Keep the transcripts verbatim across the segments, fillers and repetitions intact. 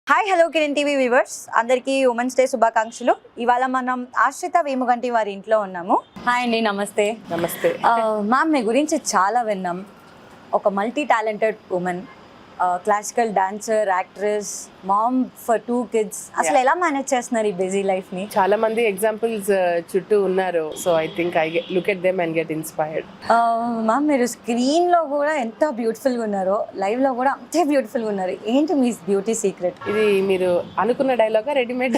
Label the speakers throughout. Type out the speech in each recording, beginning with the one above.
Speaker 1: Hi hello Kiran TV viewers అందరికీ women's day శుభాకాంక్షలు. ఇవాళ మనం ఆశ్రిత వేముగంటి వారి ఇంట్లో ఉన్నాము. హాయ్ అండి, నమస్తే.
Speaker 2: నమస్తే
Speaker 1: మ్యామ్, మీ గురించి చాలా విన్నాం. ఒక multi talented woman, classical dancer, actress, mom for two kids. అసలు ఎలా మేనేజ్ చేస్తున్నారు ఈ బిజీ లైఫ్ ని?
Speaker 2: చాలా మంది ఎగ్జాంపుల్స్ చుట్టూ ఉన్నారు. So I think I look at them and get inspired.
Speaker 1: Ma'am, మీరు స్క్రీన్ లో కూడా ఎంత బ్యూటిఫుల్ గా ఉన్నారో, లైవ్ లో కూడా అంతే బ్యూటిఫుల్ గా ఉన్నారు. ఏంటి మీ బ్యూటీ సీక్రెట్?
Speaker 2: ఇది మీరు అనుకున్న డైలాగా రెడీమేడ్?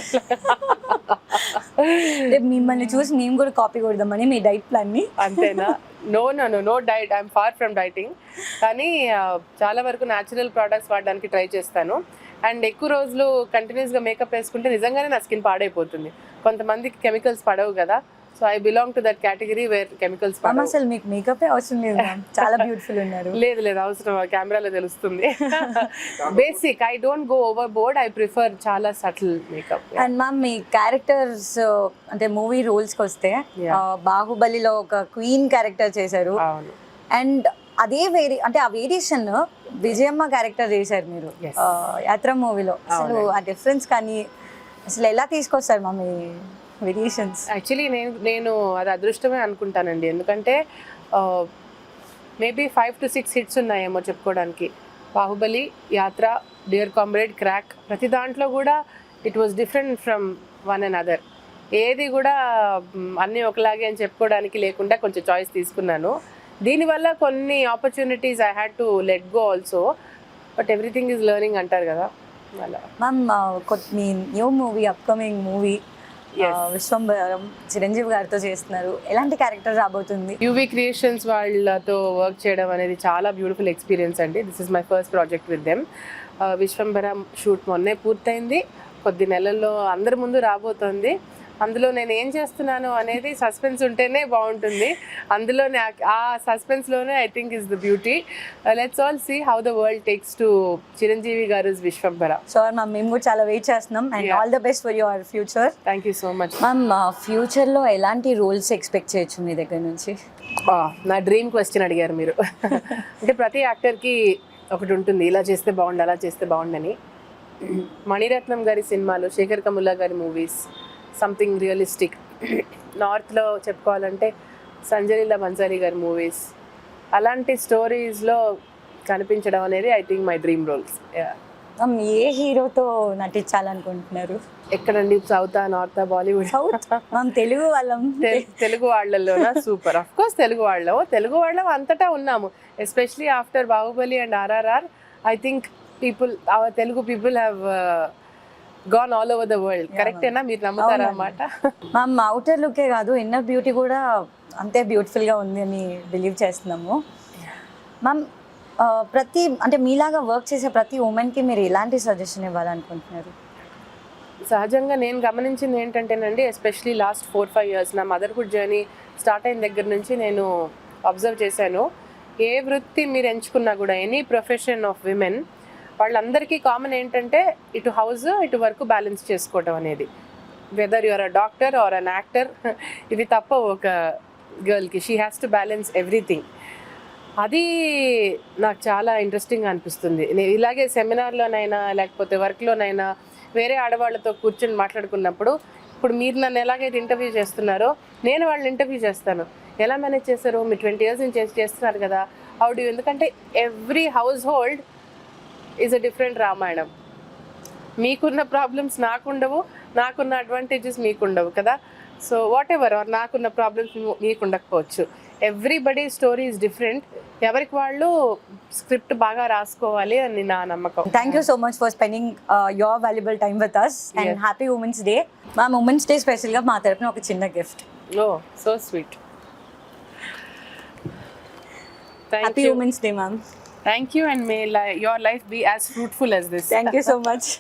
Speaker 1: మిమ్మల్ని చూసి మేము కూడా కాపీ కొడదామని మీ డైట్ ప్లాన్ ని.
Speaker 2: అంతేనా? No no no no diet, I'm far from dieting. కానీ చాలా వరకు న్యాచురల్ ప్రోడక్ట్స్ వాడడానికి ట్రై చేస్తాను. అండ్ ఎక్కువ రోజులు కంటిన్యూస్గా మేకప్ వేసుకుంటే నిజంగానే నా స్కిన్ పాడైపోతుంది. కొంతమందికి కెమికల్స్ పడవు కదా, so I belong to that category where chemicals పడవు.
Speaker 1: అసలు మీకు మేకప్ అవసరం లేదు, చాలా బ్యూటిఫుల్ ఉన్నారు.
Speaker 2: లేదు లేదు అవసరం, కెమెరాలో తెలుస్తుంది. Basic, I don't go overboard, I prefer చాలా సటిల్ మేకప్.
Speaker 1: అండ్ మ్యామ్, మీ క్యారెక్టర్స్ అంటే మూవీ రోల్స్కి వస్తే బాహుబలిలో ఒక క్వీన్ క్యారెక్టర్ చేశారు.
Speaker 2: అవును.
Speaker 1: అండ్ అదే వేరి అంటే ఆ వేరియేషన్ విజయమ్మ క్యారెక్టర్ చేశారు మీరు యాత్ర మూవీలో. అసలు ఆ డిఫరెన్స్ కానీ అసలు ఎలా తీసుకొస్తారు మా మీ వేరియేషన్స్?
Speaker 2: యాక్చువల్లీ నేను నేను అది అదృష్టమే అనుకుంటానండి. ఎందుకంటే maybe five to six hits ఉన్నాయేమో చెప్పుకోవడానికి. బాహుబలి, యాత్ర, డియర్ కామ్రేడ్, క్రాక్, ప్రతి దాంట్లో కూడా it was different from one and other. ఏది కూడా అన్నీ ఒకలాగే అని చెప్పుకోవడానికి లేకుండా కొంచెం చాయిస్ తీసుకున్నాను. దీనివల్ల కొన్ని opportunities I had to let go also, but everything is learning అంటారు కదా అలా.
Speaker 1: మ్యామ్, మీ new movie, upcoming movie Vishwambharam Chiranjeevi గారితో చేస్తున్నారు. ఎలాంటి క్యారెక్టర్ రాబోతుంది?
Speaker 2: యూవీ క్రియేషన్స్ వాళ్ళతో వర్క్ చేయడం అనేది చాలా బ్యూటిఫుల్ ఎక్స్పీరియన్స్ అండి. This is my first project with them. Vishwambharam shoot మొన్నే పూర్తయింది, కొద్ది నెలల్లో అందరి ముందు రాబోతోంది. అందులో నేను ఏం చేస్తున్నాను అనేది సస్పెన్స్ ఉంటేనే బాగుంటుంది. అందులోనే ఆ సస్పెన్స్లోనే I think is the beauty. Let's all see how the world takes to Chiranjeevi garu Vishwambhara.
Speaker 1: Sure ma'am, మేము కూడా చాలా వెయిట్ చేస్తున్నాం. And all the best for your future.
Speaker 2: Thank you so much
Speaker 1: ma'am. ఫ్యూచర్లో ఎలాంటి రోల్స్ ఎక్స్పెక్ట్ చేయొచ్చు మీ దగ్గర నుంచి?
Speaker 2: నా డ్రీమ్ క్వశ్చన్ అడిగారు మీరు. అంటే ప్రతి యాక్టర్కి ఒకటి ఉంటుంది, ఇలా చేస్తే బాగుండు, అలా చేస్తే బాగుండని. మణిరత్నం గారి సినిమాలు, శేఖర్ కముల్లా గారి మూవీస్, సంథింగ్ రియలిస్టిక్. నార్త్లో చెప్పుకోవాలంటే సంజలీలా బన్సారీ గారి మూవీస్, అలాంటి స్టోరీస్లో కనిపించడం అనేది I think my dream roles.
Speaker 1: ఏ హీరోతో నటించాలనుకుంటున్నారు?
Speaker 2: ఎక్కడండి, సౌతా, నార్తా, బాలీవుడ్?
Speaker 1: సౌత్ మనం తెలుగు వాళ్ళం.
Speaker 2: తెలుగు వాళ్ళలోనా? సూపర్, అఫ్ కోర్స్ తెలుగు వాళ్ళం. తెలుగు వాళ్ళం అంతటా ఉన్నాము. Especially after Baahubali and RRR, I think people, our Telugu people have gone all over the world. కరెక్టేనా? మీరు నమ్ముతారా అన్నమాట?
Speaker 1: మ్యామ్, అవుటర్ లుకే కాదు, ఇన్నర్ బ్యూటీ కూడా అంతే బ్యూటిఫుల్గా ఉంది అని బిలీవ్ చేస్తున్నాము. మ్యామ్, ప్రతి అంటే మీలాగా వర్క్ చేసే ప్రతి ఉమెన్కి మీరు ఎలాంటి సజెషన్ ఇవ్వాలనుకుంటున్నారు?
Speaker 2: సహజంగా నేను గమనించింది ఏంటంటేనండి, especially last four five years నా మదర్హుడ్ జర్నీ స్టార్ట్ అయిన దగ్గర నుంచి నేను అబ్జర్వ్ చేశాను. ఏ వృత్తి మీరు ఎంచుకున్నా కూడా, ఎనీ ప్రొఫెషన్ ఆఫ్ విమెన్, వాళ్ళందరికీ కామన్ ఏంటంటే ఇటు హౌస్ ఇటు వర్క్ బ్యాలెన్స్ చేసుకోవడం అనేది. Whether your a doctor or an actor, ఇది తప్ప ఒక గర్ల్కి she has to balance everything. అది నాకు చాలా ఇంట్రెస్టింగ్గా అనిపిస్తుంది. నేను ఇలాగే సెమినార్లోనైనా లేకపోతే వర్క్లోనైనా వేరే ఆడవాళ్ళతో కూర్చొని మాట్లాడుకున్నప్పుడు, ఇప్పుడు మీరు నన్ను ఎలాగైతే ఇంటర్వ్యూ చేస్తున్నారో నేను వాళ్ళని ఇంటర్వ్యూ చేస్తాను. ఎలా మేనేజ్ చేస్తారు? మీరు ట్వంటీ ఇయర్స్ నుంచి చేస్తున్నారు కదా, హౌ డు? ఎందుకంటే every household is a different Ramayanam. మీకున్న ప్రాబ్లమ్స్ నాకుండవు, నాకున్న అడ్వాంటేజెస్ మీకుండవు కదా. సో వాట్ ఎవర్, నాకున్న ప్రాబ్లమ్స్ మీకు ఉండకపోవచ్చు. Everybody story is different. ఎవరికి వాళ్ళు స్క్రిప్ట్ బాగా రాసుకోవాలి అని నా నమ్మకం.
Speaker 1: Thank you so much for spending your valuable time with us and happy women's day. మా ఉమెన్స్ డే స్పెషల్గా మా తరపున ఒక చిన్న gift.
Speaker 2: Oh so sweet.
Speaker 1: Happy women's day ma'am.
Speaker 2: Thank you, and may li- your life be as fruitful as this.
Speaker 1: Thank you so much.